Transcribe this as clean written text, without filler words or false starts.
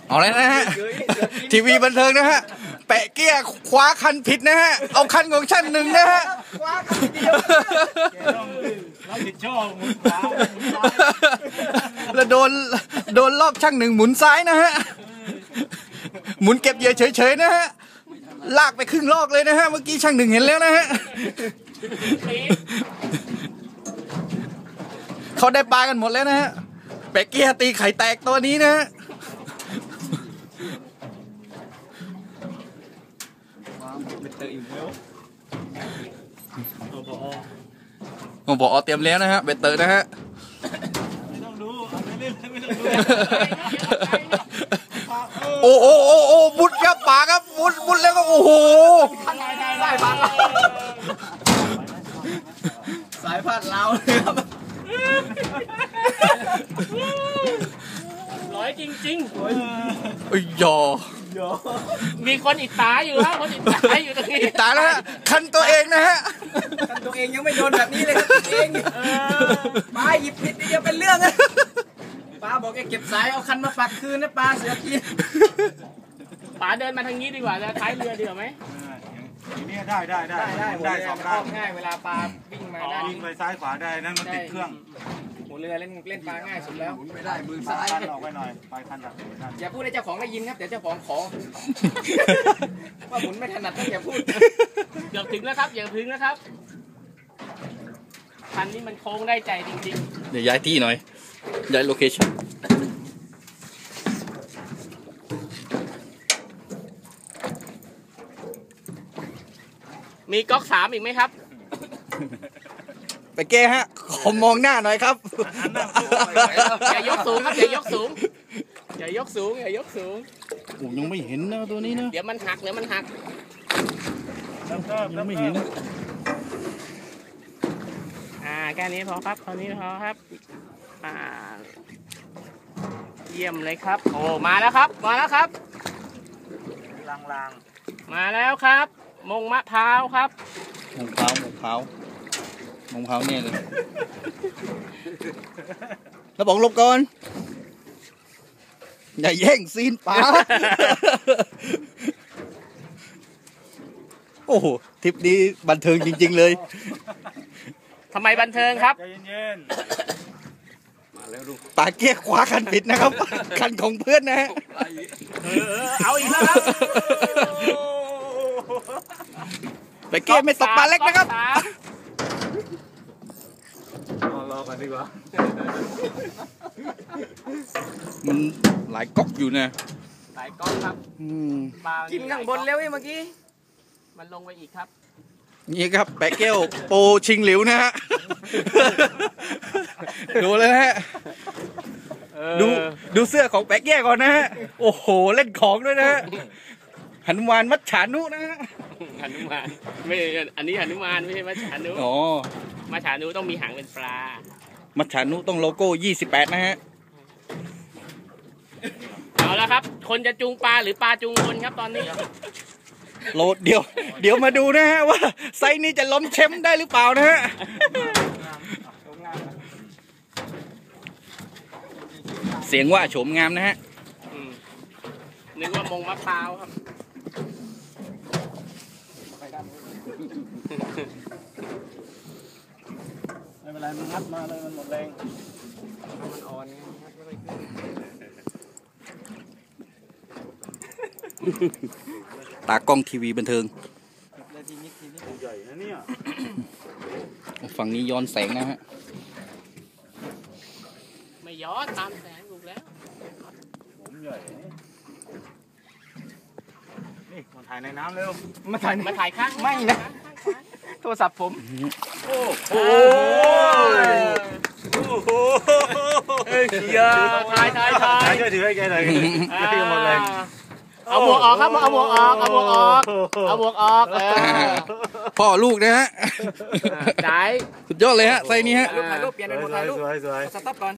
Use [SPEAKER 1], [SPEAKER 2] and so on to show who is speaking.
[SPEAKER 1] เอาเลยนะฮะทีวีบันเทิงนะฮะแปะเกี้ยคว้าคันผิดนะฮะเอาคันของช่างหนึ่งนะฮะ
[SPEAKER 2] คว้าคันเดียวรับผิดชอบหมุนขวา
[SPEAKER 1] แล้วโดนรอบช่างหนึ่งหมุนซ้ายนะฮะหมุนเก็บเหยื่อเฉยๆนะฮะลากไปครึ่งลอกเลยนะฮะเมื่อกี้ช่างหนึ่งเห็นแล้วนะฮะเขาได้ปลากันหมดแล้วนะฮะแปะเกี้ยตีไข่แตกตัวนี้นะฮะผมบอกเตรียมแล้วนะฮะเบ็ดเตอร์นะฮะ
[SPEAKER 2] ไม่ต้องดูไม่เล่นไม่ต้องดู
[SPEAKER 1] โอ้มุดครับปากครับมุดแล้วก็โอ้โห
[SPEAKER 2] สายพัดเราเลยครับ
[SPEAKER 3] ร้อยจริง
[SPEAKER 1] ไอ้ยอ
[SPEAKER 3] มีคนอิจฉาอยู่ครับคนอิจฉาอยู่ตรงนี้
[SPEAKER 1] อิจฉาแล้วฮะคันตัวเองนะฮะ
[SPEAKER 2] คันตัวเองยังไม่โดนแบบนี้เลยครับตัวเองปลาหยิบผิดนี่จะเป็นเรื่องนะปลาบอกแกเก็บสายเอาคันมาปักคืนนะปลาเสือกิน
[SPEAKER 3] ป๋าเดินมาทางนี้ดีกว่าจะท้ายเรือดีกว่าไหม
[SPEAKER 2] นี่ได้สองด้านง่ายเวลาปลาวิ่งมาได้
[SPEAKER 4] วิ่งไปซ้ายขวาได้นั่นมันติดเครื่อง
[SPEAKER 2] หัวเรือเล่นปลาง่ายสุดแล้ว
[SPEAKER 4] หมุนไม่ได้มือซ้ายออกไปหน่อยไปคันดับ
[SPEAKER 2] อย่าพูดให้เจ้าของได้ยินครับเดี๋ยวเจ้าของขอว่าหมุนไม่ถนัดต้องอย่าพูด
[SPEAKER 3] อย่าถึงนะครับอย่าถึงนะครับคันนี้มันโค้งได้ใจจริง
[SPEAKER 1] ๆเดี๋ยวย้ายที่หน่อยย้ายโลเคชั่น
[SPEAKER 3] มีก๊อก3อีกไหมครับ
[SPEAKER 1] ไปเก้ฮะขอมองหน้าหน่อยครับ
[SPEAKER 3] อย่ายกสูงครับอย่ายกสูงอย่ายกสูง
[SPEAKER 1] โอ้ยังไม่เห็นนะตัวนี้นะ
[SPEAKER 3] เดี๋ยวมันหักยัง
[SPEAKER 1] ไม่เห็น
[SPEAKER 3] แค่นี้พอครับเท่านี้พอครับเยี่ยมเลยครับโอ้มาแล้วครับลางมาแล้วครับมงมะพร้าวครับ
[SPEAKER 1] มงพร้าวเนี่ยเลยแล้วบอกลบก่อนอย่าแย่งซีนป๋าโอ้โหทริปนี้บันเทิงจริงๆเลย
[SPEAKER 3] ทำไมบันเทิงครับ
[SPEAKER 4] ใจเย็น
[SPEAKER 1] มาแล้วดูปาเกี้ยคว้าคันผิดนะครับคันของเพื่อนนะฮะ
[SPEAKER 3] เอาอีกแล้วครับ
[SPEAKER 1] ไปเกี้ยไม่ตกปลาเล็กนะครับ
[SPEAKER 4] รอกันดีกว่า
[SPEAKER 1] มันหลายก๊อกอยู่นะ
[SPEAKER 3] หลายก๊อกครับ
[SPEAKER 2] กินข้างบนเร็วเมื่อกี้
[SPEAKER 3] มันลงไปอีกครับ
[SPEAKER 1] นี่ครับแปะเกี้ยวโปชิงหลิวนะฮะดูเลยฮะดูเสื้อของแปะเกี้ยก่อนนะฮะโอ้โหเล่นของด้วยนะฮะหนุมานมัจฉานุนะฮะ
[SPEAKER 3] หนุมานไม่อันนี้หนุมานไม่ใช่มัจฉานุ
[SPEAKER 1] อ๋อ
[SPEAKER 3] มัจฉานุต้องมีหางเป็นปลา
[SPEAKER 1] มัจฉานุต้องโลโก้28นะฮะ
[SPEAKER 3] เอาละครับคนจะจูงปลาหรือปลาจูงคนครับตอนนี้
[SPEAKER 1] โลดเดี๋ยวมาดูนะฮะว่าไซส์นี้จะล้มแชมป์ได้หรือเปล่านะฮะเสียงว่าโฉมงามนะฮะ
[SPEAKER 3] นึกว่ามงมะพร้าวครับ
[SPEAKER 4] ไม่เป็นไรมันงัดมาเลยมันหมดแรง
[SPEAKER 3] มันอ่อนไงงัดไม่ค่อย
[SPEAKER 1] ขึ้นตากล้องทีวีบันเทิง
[SPEAKER 4] ใหญ่นะเนี่ย
[SPEAKER 1] ฝั่งนี้ย้อนแสงนะฮะ
[SPEAKER 3] ไม่ย้อนตามแสงถูกแล้ว
[SPEAKER 4] ผมใหญ่นี่มาถ่ายในน้ำเร็ว
[SPEAKER 3] มาถ่ายข้าง
[SPEAKER 2] ไม่นะโทรศัพท์ผม
[SPEAKER 3] โอ้โหถ่าย
[SPEAKER 4] ช่วยถือให้แกหน่อยที่หมดเลย
[SPEAKER 3] เอาหมวกออกครับเอาหมวกออก
[SPEAKER 1] พ่อลูกนะฮะ
[SPEAKER 3] ได้
[SPEAKER 1] สุดยอดเลยฮะไซนี้ฮะ
[SPEAKER 2] ถ่ายรูปเปลี่ยนเป็นถ่ายรูป
[SPEAKER 4] สวย
[SPEAKER 2] สต็อปก่อน